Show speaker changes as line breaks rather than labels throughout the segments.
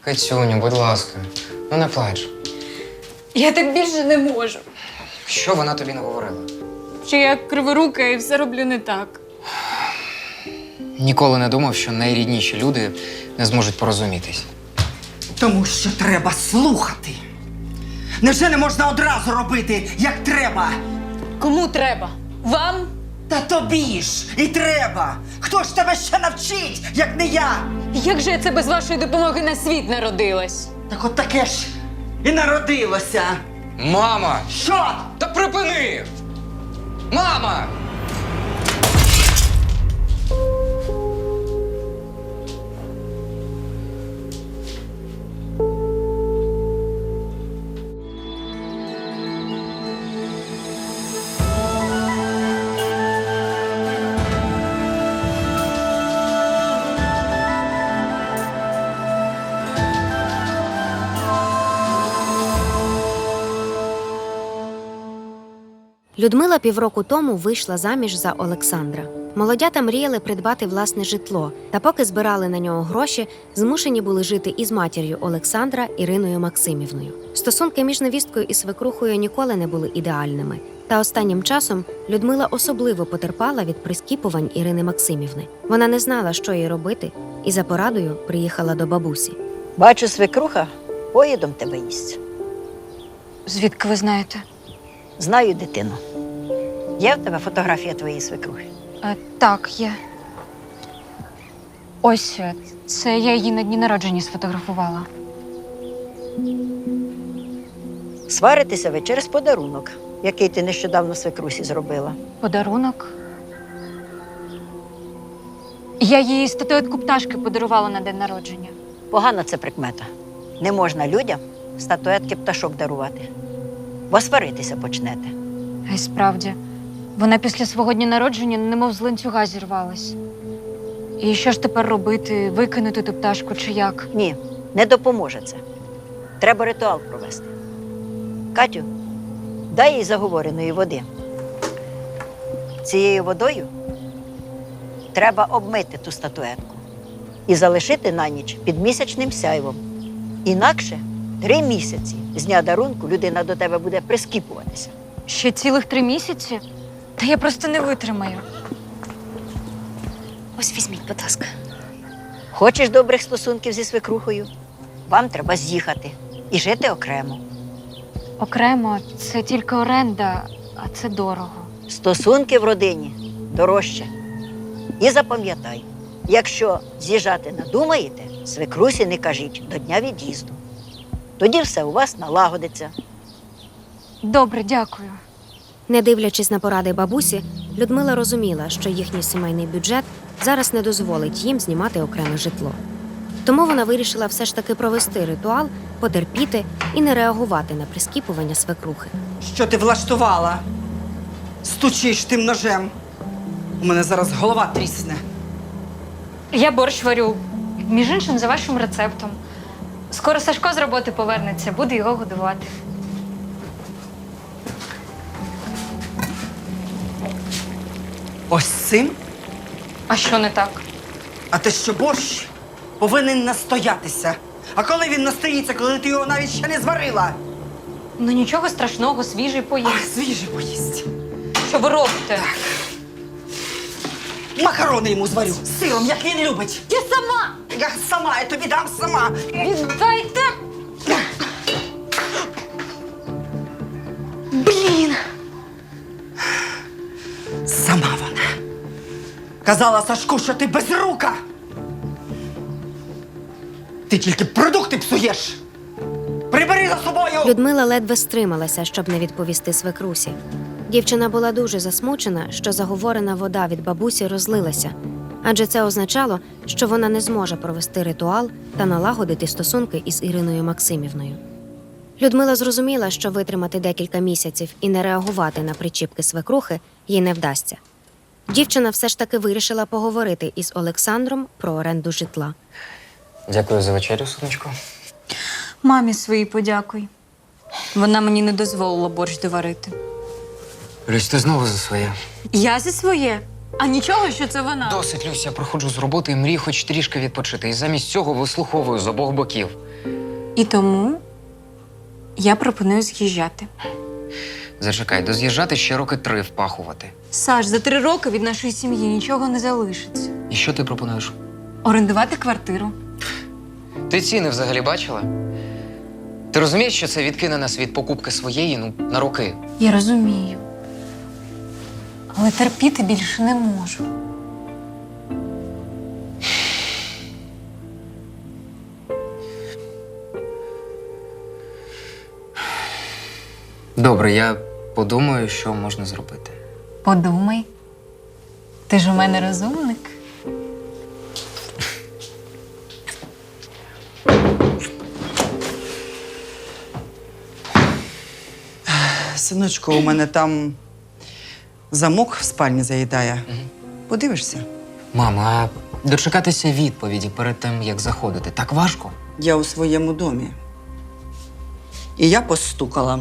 Катюню, будь ласка, ну не плач.
Я так більше не можу.
Що вона тобі наговорила?
Що я криворука і все роблю не так.
Ніколи не думав, що найрідніші люди не зможуть порозумітись.
Тому що треба слухати. Невже не можна одразу робити, як треба?
Кому треба? Вам?
Та тобі ж і треба. Хто ж тебе ще навчить, як не я?
Як же я це без вашої допомоги на світ народилась?
Так от таке ж і народилося.
Мама!
Що?
Та припини! Мама!
Людмила півроку тому вийшла заміж за Олександра. Молодята мріяли придбати власне житло, та поки збирали на нього гроші, змушені були жити із матір'ю Олександра Іриною Максимівною. Стосунки між невісткою і свекрухою ніколи не були ідеальними. Та останнім часом Людмила особливо потерпала від прискіпувань Ірини Максимівни. Вона не знала, що їй робити, і за порадою приїхала до бабусі.
Бачу, свекруха поїдом тебе їсть.
Звідки ви знаєте?
Знаю, дитину. Є в тебе фотографія твоєї свекрухи?
Так, є. Ось, це я її на дні народження сфотографувала.
Сваритеся ви через подарунок, який ти нещодавно свекрусі зробила.
Подарунок? Я їй статуетку пташки подарувала на день народження.
Погана це прикмета. Не можна людям статуетки пташок дарувати, бо сваритися почнете.
А й справді, вона після свого дня народження немов з ланцюга зірвалась. І що ж тепер робити? Викинути ту пташку чи як?
Ні, не допоможе це. Треба ритуал провести. Катю, дай їй заговореної води. Цією водою треба обмити ту статуетку і залишити на ніч під місячним сяйвом. Інакше 3 місяці з дня дарунку людина до тебе буде прискіпуватися.
Ще цілих 3 місяці? Та я просто не витримаю.
Ось візьміть, будь ласка.
Хочеш добрих стосунків зі свекрухою? Вам треба з'їхати і жити окремо.
Окремо, це тільки оренда, а це дорого.
Стосунки в родині дорожче. І запам'ятай, якщо з'їжджати надумаєте, свекрусі не кажіть до дня від'їзду. Тоді все у вас налагодиться.
Добре, дякую.
Не дивлячись на поради бабусі, Людмила розуміла, що їхній сімейний бюджет зараз не дозволить їм знімати окреме житло. Тому вона вирішила все ж таки провести ритуал, потерпіти і не реагувати на прискіпування свекрухи.
Що ти влаштувала? Стучиш тим ножем. У мене зараз голова трісне.
Я борщ варю. Між іншим, за вашим рецептом. Скоро Сашко з роботи повернеться, буду його годувати.
Ось цим?
А що не так?
А те, що борщ повинен настоятися. А коли він настоїться, коли ти його навіть ще не зварила?
Ну нічого страшного, свіжий поїсть.
Ах, свіже поїсть.
Що ви робите?
Макарони йому зварю з сиром, як він любить.
Я сама!
Я тобі дам сама.
Віддайте! Блін!
Сама вона. Казала Сашку, що ти безрука. Ти тільки продукти псуєш. Прибери за собою!
Людмила ледве стрималася, щоб не відповісти свекрусі. Дівчина була дуже засмучена, що заговорена вода від бабусі розлилася, адже це означало, що вона не зможе провести ритуал та налагодити стосунки із Іриною Максимівною. Людмила зрозуміла, що витримати декілька місяців і не реагувати на причіпки свекрухи їй не вдасться. Дівчина все ж таки вирішила поговорити із Олександром про оренду житла.
Дякую за вечерю, сонечко.
Мамі своїй подякуй. Вона мені не дозволила борщ доварити.
Люсь, ти знову за своє.
Я за своє. А нічого, що це вона.
Досить, Люсь, я приходжу з роботи і мрію хоч трішки відпочити. І замість цього вислуховую з обох боків.
І тому я пропоную з'їжджати.
Зачекай, доз'їжджати ще роки 3 впахувати.
Саш, за 3 роки від нашої сім'ї нічого не залишиться.
І що ти пропонуєш?
Орендувати квартиру.
Ти ціни взагалі бачила? Ти розумієш, що це відкине нас від покупки своєї, на роки?
Я розумію. Але терпіти більше не можу.
Добре, я подумаю, що можна зробити.
Подумай. Ти ж у мене розумник.
Синочку, у мене там замок в спальні заїдає. Подивишся?
Мама, а дочекатися відповіді перед тим, як заходити, так важко?
Я у своєму домі. І я постукала.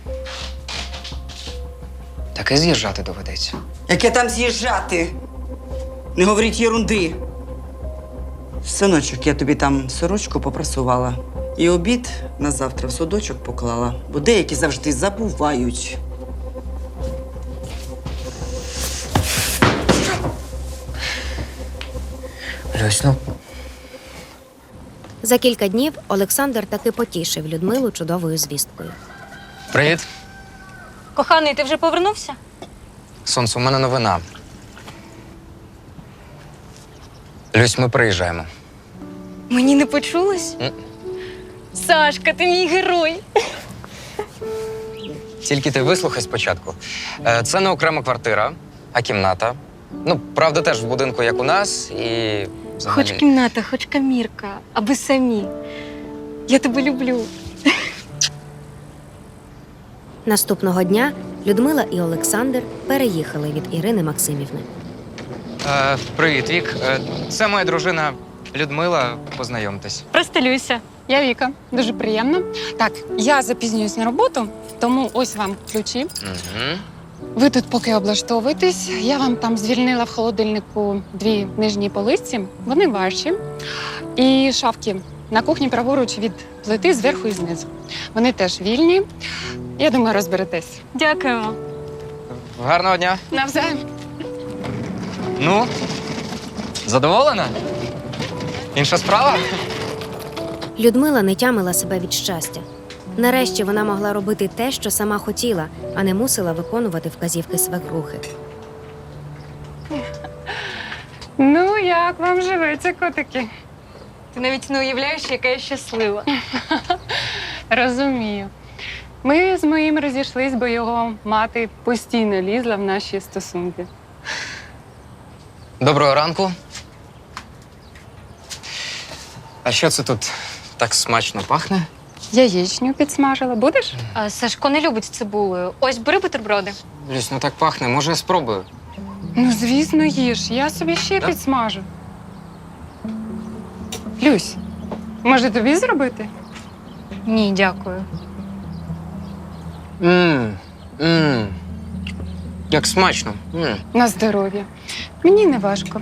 Таке з'їжджати доведеться.
Яке там з'їжджати? Не говоріть єрунди. Синочок, я тобі там сорочку попрасувала. І обід на завтра в судочок поклала, бо деякі завжди забувають.
Люсь, ну,
За кілька днів Олександр таки потішив Людмилу чудовою звісткою.
привіт.
Коханий, ти вже повернувся?
Сонце, у мене новина. Люсь, ми приїжджаємо.
Мені не почулось? Сашка, ти мій герой.
Тільки ти вислухай спочатку. Це не окрема квартира, а кімната. Ну, правда, теж в будинку, як у нас, і взагалі...
Хоч кімната, хоч камірка, аби самі. Я тебе люблю.
Наступного дня Людмила і Олександр переїхали від Ірини Максимівни.
Привіт, Вік. Це моя дружина Людмила. Познайомтесь.
Представлюся. Я Віка. Дуже приємно. Так, я запізнююсь на роботу, тому ось вам ключі.
Угу.
Ви тут поки облаштовуєтесь. Я вам там звільнила в холодильнику 2 нижні полиці. Вони ваші. І шафки на кухні праворуч від плити зверху і знизу. Вони теж вільні. Я думаю, розберетесь.
Дякую.
Гарного дня.
Навзаєм.
Ну, задоволена? Інша справа?
Людмила не тямила себе від щастя. Нарешті вона могла робити те, що сама хотіла, а не мусила виконувати вказівки свекрухи.
Ну, як вам живеться, котики?
Ти навіть не уявляєш, яка я щаслива.
Розумію. Ми з моїм розійшлись, бо його мати постійно лізла в наші стосунки.
Доброго ранку. А що це тут так смачно пахне?
Яєчню підсмажила. Будеш?
А Сашко не любить цибулею. Ось, бери бутерброди.
Люсь, ну так пахне, може я спробую?
Ну, звісно, їж. Я собі ще
Так?
підсмажу. Люсь, може тобі зробити?
Ні, дякую.
Мм. Як смачно.
На здоров'я. Мені не важко.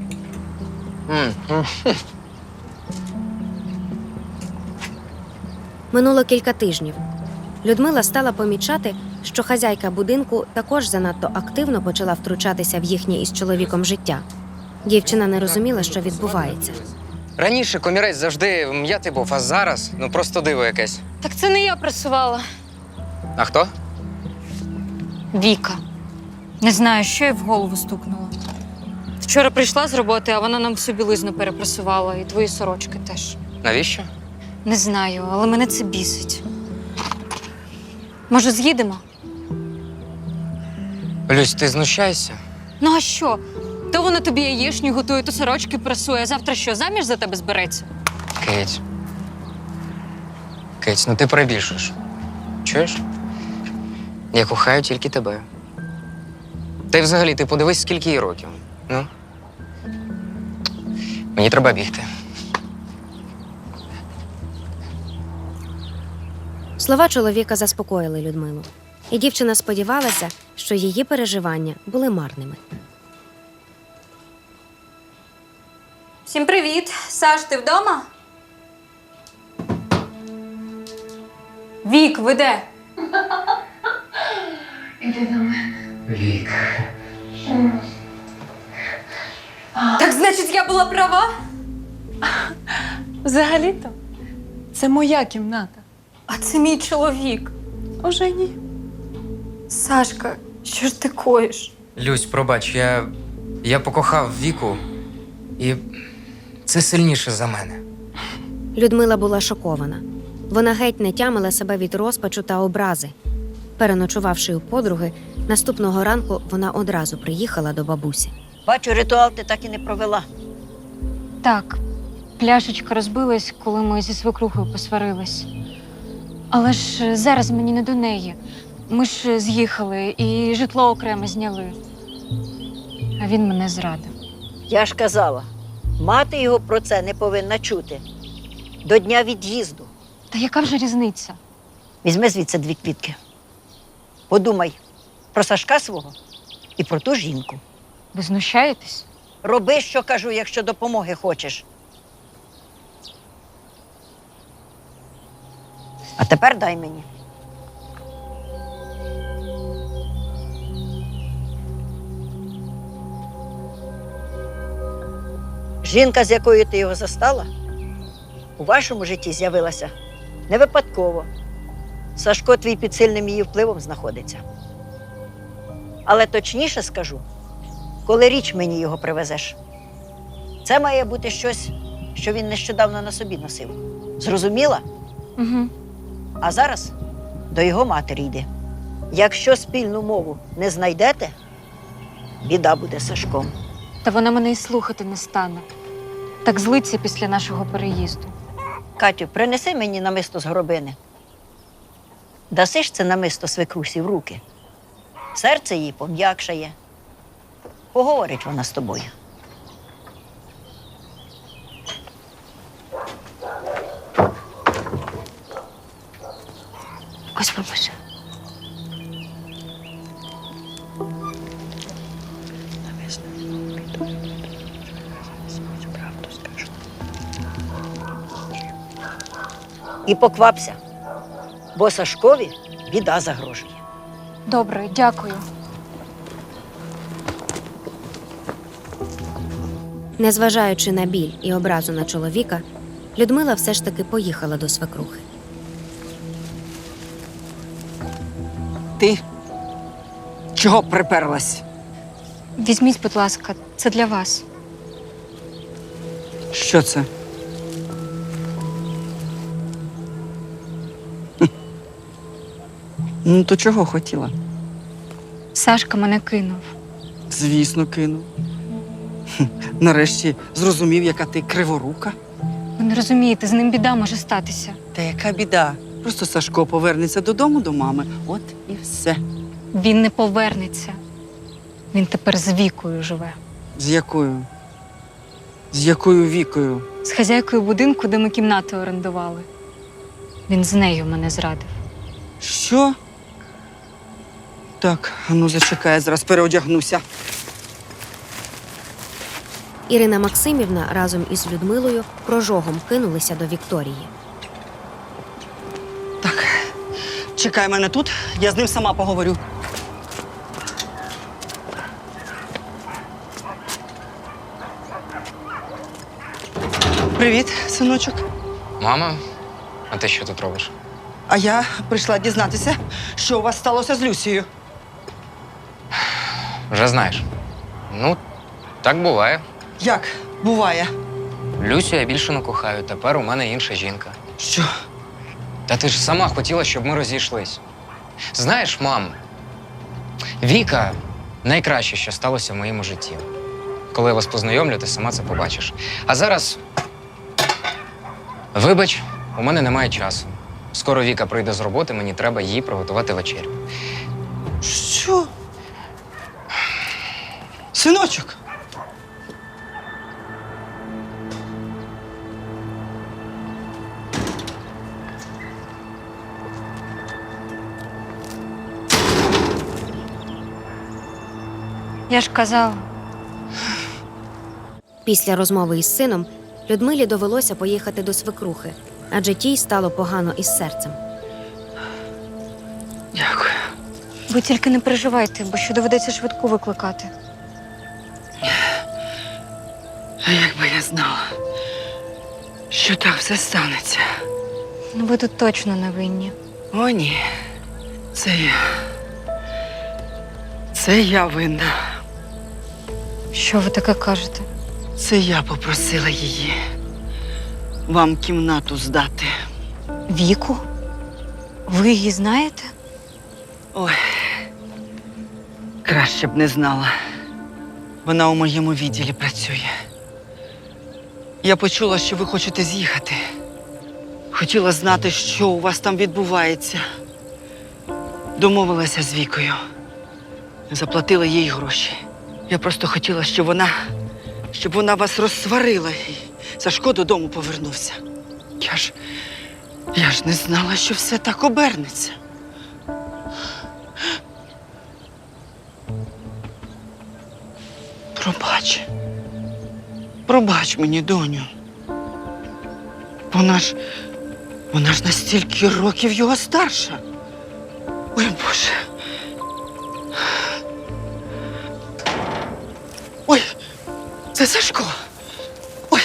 Минуло кілька тижнів. Людмила стала помічати, що хазяйка будинку також занадто активно почала втручатися в їхнє із чоловіком життя. Дівчина не розуміла, що відбувається.
Раніше комірець завжди м'ятий був, а зараз просто диво якесь.
Так це не я прасувала.
А хто?
Віка. Не знаю, що їй в голову стукнуло. Вчора прийшла з роботи, а вона нам всю білизну перепрасувала, і твої сорочки теж.
Навіщо?
Не знаю, але мене це бісить. Може, з'їдемо?
Люсь, ти знущайся?
Ну а що? То вона тобі яєчню готує, то сорочки прасує, а завтра що, заміж за тебе збереться?
Кеть. Кеть, ну ти перебільшуєш. Чуєш? Я кохаю тільки тебе. Та й взагалі, ти подивись, скільки їй років. Ну? Мені треба бігти.
Слова чоловіка заспокоїли Людмилу. І дівчина сподівалася, що її переживання були марними.
Всім привіт! Саш, ти вдома? Вік, ви де?
Вік.
Так значить, я була права?
Взагалі-то, це моя кімната.
А це мій чоловік.
Уже ні.
Сашка, що ж ти коїш?
Люсь, пробач, я покохав Віку, і це сильніше за мене.
Людмила була шокована. Вона геть не тямила себе від розпачу та образи. Переночувавши у подруги, наступного ранку вона одразу приїхала до бабусі.
Бачу, ритуал ти так і не провела.
Так, пляшечка розбилась, коли ми зі свекрухою посварились. Але ж зараз мені не до неї. Ми ж з'їхали і житло окремо зняли. А він мене зрадив.
Я ж казала, мати його про це не повинна чути. До дня від'їзду.
Та яка вже різниця?
Візьми звідси 2 квітки. Подумай про Сашка свого і про ту жінку.
Ви знущаєтесь?
Роби, що кажу, якщо допомоги хочеш. А тепер дай мені. Жінка, з якою ти його застала, у вашому житті з'явилася не випадково. Сашко твій під сильним її впливом знаходиться. Але точніше скажу, коли річ мені його привезеш. Це має бути щось, що він нещодавно на собі носив. Зрозуміла?
Угу.
А зараз до його матері йди. Якщо спільну мову не знайдете, біда буде з Сашком.
Та вона мене й слухати не стане. Так злиться після нашого переїзду.
Катю, принеси мені намисто з горобини. Даси ж це намисто свекрусі в руки. Серце її пом'якшає. Поговорить вона з тобою.
Ось бабуся.
І поквапся, бо Сашкові біда загрожує.
Добре, дякую.
Незважаючи на біль і образу на чоловіка, Людмила все ж таки поїхала до свекрухи.
Ти чого приперлась?
Візьміть, будь ласка, це для вас.
Що це? Ну, то чого хотіла?
Сашка мене кинув.
Звісно, кинув. Нарешті зрозумів, яка ти криворука.
Ви не розумієте, з ним біда може статися.
Та яка біда? Просто Сашко повернеться додому до мами. От і все.
Він не повернеться. Він тепер з Вікою живе.
З якою? З якою Вікою?
З хазяйкою будинку, де ми кімнати орендували. Він з нею мене зрадив.
Що? Так, а ну зачекай, я зараз переодягнуся.
Ірина Максимівна разом із Людмилою прожогом кинулися до Вікторії.
Так, чекай мене тут, я з ним сама поговорю. Привіт, синочок.
Мама, а ти що тут робиш?
А я прийшла дізнатися, що у вас сталося з Люсією.
Вже знаєш. Ну, так буває.
Як буває?
Люсю я більше не кохаю, тепер у мене інша жінка.
Що?
Та ти ж сама хотіла, щоб ми розійшлись. Знаєш, мам, Віка найкраще, що сталося в моєму житті. Коли я вас познайомлю, ти сама це побачиш. А зараз, вибач, у мене немає часу. Скоро Віка прийде з роботи, мені треба їй приготувати вечерю.
Що? Синочок.
Я ж казала.
Після розмови із сином Людмилі довелося поїхати до свекрухи, адже тій стало погано із серцем.
Дякую.
Ви тільки не переживайте, бо що доведеться швидку викликати.
А якби я знала, що так все станеться.
Ну, ви тут точно не винні.
О, ні. Це я. Це я винна.
Що ви таке кажете?
Це я попросила її вам кімнату здати.
Віку? Ви її знаєте?
Ой, краще б не знала. Вона у моєму відділі працює. Я почула, що ви хочете з'їхати. Хотіла знати, що у вас там відбувається. Домовилася з Вікою. Заплатила їй гроші. Я просто хотіла, щоб вона вас розсварила і Сашко додому повернувся. Я ж не знала, що все так обернеться. Пробач мені, доню. Вона ж на стільки років його старша. Ой, Боже. Ой, це Сашко. Ой.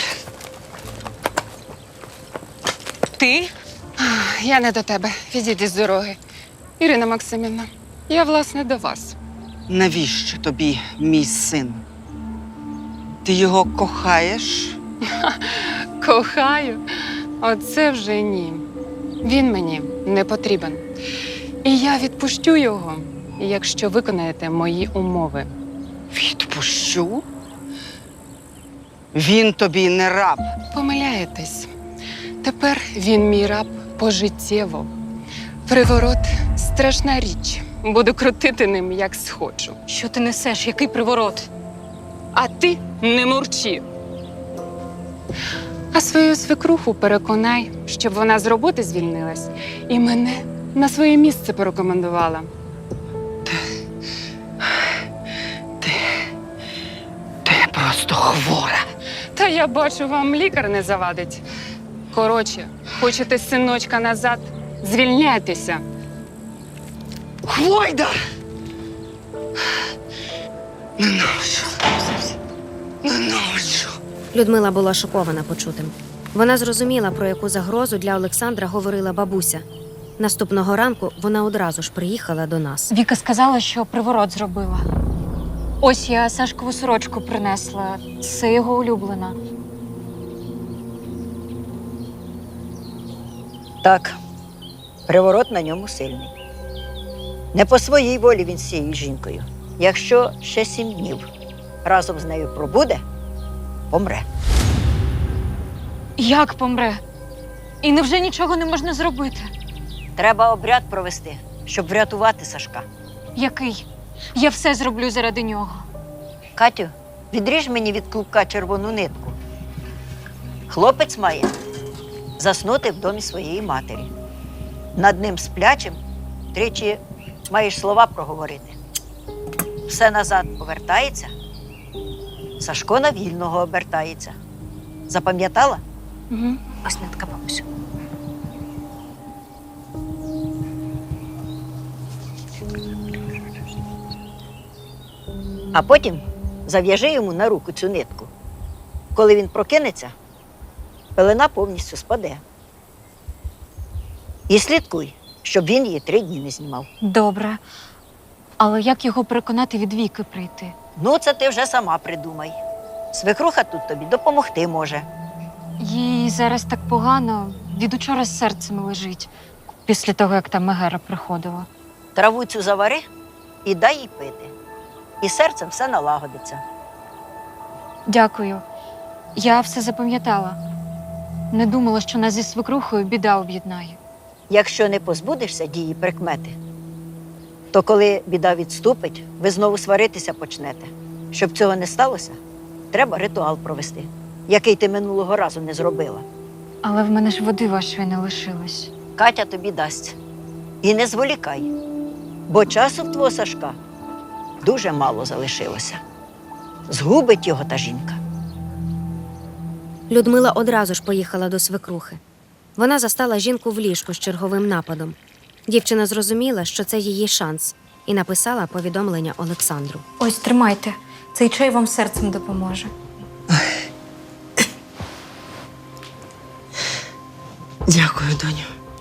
Ти? Я не до тебе. Відійди з дороги. Ірина Максимівна, я, власне, до вас.
Навіщо тобі мій син? Ти його кохаєш?
Кохаю. Оце вже ні. Він мені не потрібен. І я відпущу його, якщо виконаєте мої умови.
Відпущу? Він тобі не раб.
Помиляєтесь. Тепер він мій раб пожиттєво. Приворот – страшна річ. Буду крутити ним, як схочу.
Що ти несеш? Який приворот?
А ти не мурчи. А свою свекруху переконай, щоб вона з роботи звільнилась і мене на своє місце порекомендувала.
Ти просто хвора.
Та я бачу, вам лікар не завадить. Коротше, хочете синочка назад? Звільняйтеся.
Хвойда! Ненавиджу.
Людмила була шокована почутим. Вона зрозуміла, про яку загрозу для Олександра говорила бабуся. Наступного ранку вона одразу ж приїхала до нас.
Віка сказала, що приворот зробила. Ось я Сашкову сорочку принесла. Це його улюблена.
Так, приворот на ньому сильний. Не по своїй волі він з цією жінкою. Якщо ще 7 днів разом з нею пробуде, помре.
Як помре? І невже нічого не можна зробити?
Треба обряд провести, щоб врятувати Сашка.
Який? Я все зроблю заради нього.
Катю, відріж мені від клубка червону нитку. Хлопець має заснути в домі своєї матері. Над ним сплячим 3 маєш слова проговорити. Все назад повертається, Сашко на вільного обертається. Запам'ятала?
Угу.
Ось нитка, бабусю. А потім зав'яжи йому на руку цю нитку. Коли він прокинеться, пелена повністю спаде. І слідкуй, щоб він її 3 дні не знімав.
Добре. Але як його переконати від Віки прийти?
Ну, це ти вже сама придумай. Свекруха тут тобі допомогти може.
Їй зараз так погано, від учора з серцем лежить, після того, як там Мегера приходила.
Траву цю завари і дай їй пити. І серцем все налагодиться.
Дякую. Я все запам'ятала. Не думала, що нас зі свекрухою біда об'єднає.
Якщо не позбудешся дії прикмети, то коли біда відступить, ви знову сваритися почнете. Щоб цього не сталося, треба ритуал провести, який ти минулого разу не зробила.
Але в мене ж води вашої не лишилось.
Катя тобі дасть. І не зволікай, бо часу в твого Сашка дуже мало залишилося. Згубить його та жінка.
Людмила одразу ж поїхала до свекрухи. Вона застала жінку в ліжку з черговим нападом. Дівчина зрозуміла, що це її шанс, і написала повідомлення Олександру.
Ось тримайте. Цей чай вам серцем допоможе.
Дякую, доню.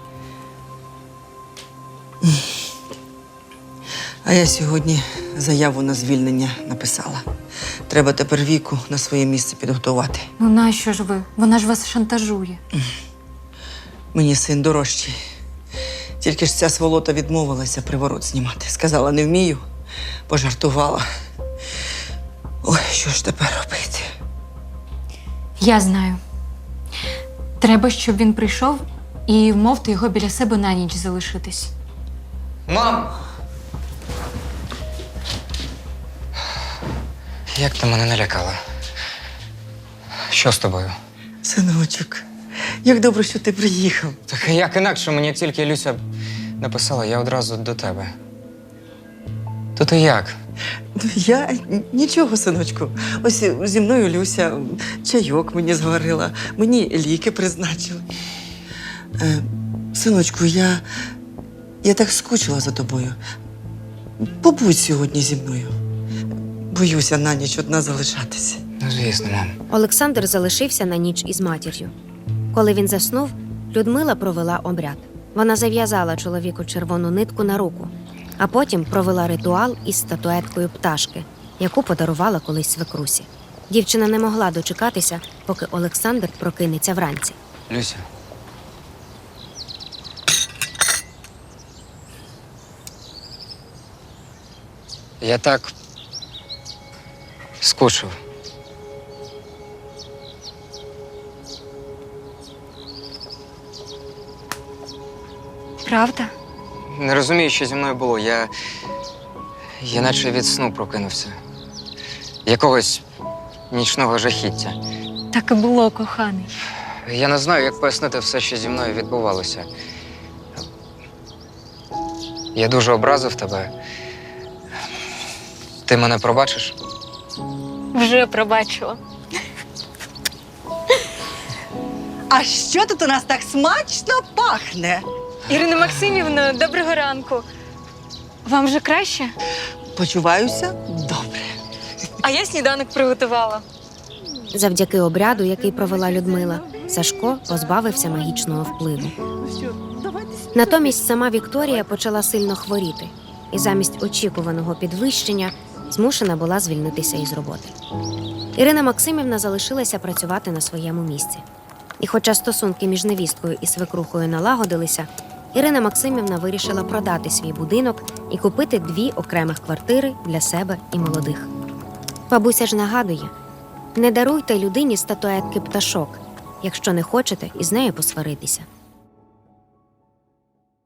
А я сьогодні заяву на звільнення написала. Треба тепер Віку на своє місце підготувати.
Ну нащо ж ви? Вона ж вас шантажує.
Мені син дорожчий. Тільки ж ця сволота відмовилася приворот знімати. Сказала, не вмію, пожартувала. Ой, що ж тепер робити?
Я знаю. Треба, щоб він прийшов і вмовте його біля себе на ніч залишитись.
Мам! Як ти мене налякала? Що з тобою?
Синочок, як добре, що ти приїхав.
Так як інакше, мені як тільки Люся написала, я одразу до тебе. То ти як?
Ну, я нічого, синочку. Ось зі мною Люся чайок мені зварила, мені ліки призначили. Синочку, я так скучила за тобою. Побудь сьогодні зі мною. Боюся на ніч одна залишатися.
Ну, звісно, мам.
Олександр залишився на ніч із матір'ю. Коли він заснув, Людмила провела обряд. Вона зав'язала чоловіку червону нитку на руку, а потім провела ритуал із статуеткою пташки, яку подарувала колись свекрусі. Дівчина не могла дочекатися, поки Олександр прокинеться вранці.
Люся. Я так скучив.
Правда?
Не розумію, що зі мною було. Я наче від сну прокинувся. Якогось нічного жахіття.
Так і було, коханий.
Я не знаю, як пояснити все, що зі мною відбувалося. Я дуже образив тебе. Ти мене пробачиш?
Вже пробачила.
А що тут у нас так смачно пахне?
Ірина Максимівна, доброго ранку. Вам вже краще?
Почуваюся добре.
А я сніданок приготувала.
Завдяки обряду, який провела Людмила, Сашко позбавився магічного впливу. Натомість сама Вікторія почала сильно хворіти і замість очікуваного підвищення змушена була звільнитися із роботи. Ірина Максимівна залишилася працювати на своєму місці. І хоча стосунки між невісткою і свекрухою налагодилися, Ірина Максимівна вирішила продати свій будинок і купити 2 окремих квартири для себе і молодих. Бабуся ж нагадує: не даруйте людині статуетки пташок, якщо не хочете із нею посваритися.